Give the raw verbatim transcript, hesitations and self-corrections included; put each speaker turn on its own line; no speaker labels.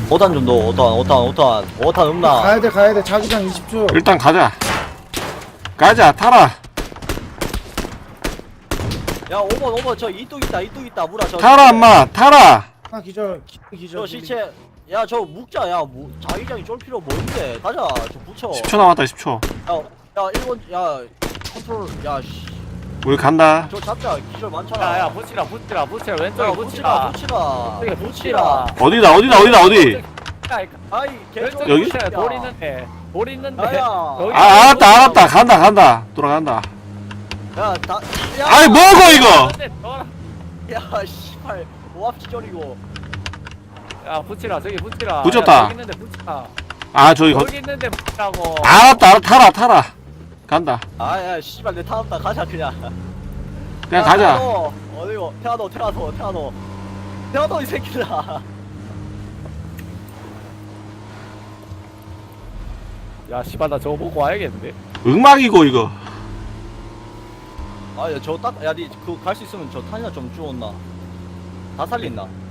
오탄 좀 넣어. 오탄 오탄 오탄 오탄 없나?
가야돼 가야돼 자기장 이십 초.
일단 가자. 가자, 타라.
야 오 번 오 번 저 이뚝 있다 이뚝 있다 물아 저
타라, 엄마, 타라.
하나 기절 기- 기절.
저 시체 야 저 묵자 야 무, 자기장이 쫄 필요 뭔데 가자 저 붙여
십 초 남았다, 십 초.
야야 일본 야 컨트롤 야씨
우리 간다.
저 잡자 기절 많잖아
야야 붙이라 붙이라 붙이라
야,
왼쪽에
붙이라
붙이라
붙이라
왼쪽에 붙이라
어디다, 어디다, 어디다, 어디?
아이 개쫄
여기?
붙이라 돌 있는데 돌 있는데
야야
여기
아, 알았다, 알았다. 간다, 간다. 돌아간다.
야다
아이, 뭐고, 이거?
야 씨발 오합 지절이고
야 붙이라 저기 붙이라
붙였다.
야, 여기 있는데 붙이라
아, 저기, 거,
여기 있는데 붙이라고
알았다, 알았다. 타라, 타라. 간다.
아야 씨발 내 타왔다 가자 그냥
그냥
야,
가자.
태아노, 어디고 태아노 태아노 태아노 태아노 이 새끼들아
야 씨발 나 저거 보고 와야겠는데
음악이고, 이거.
아야 저 딱 야 니 그 갈 수 있으면 저 탄이나 좀 주웠나 다 살린나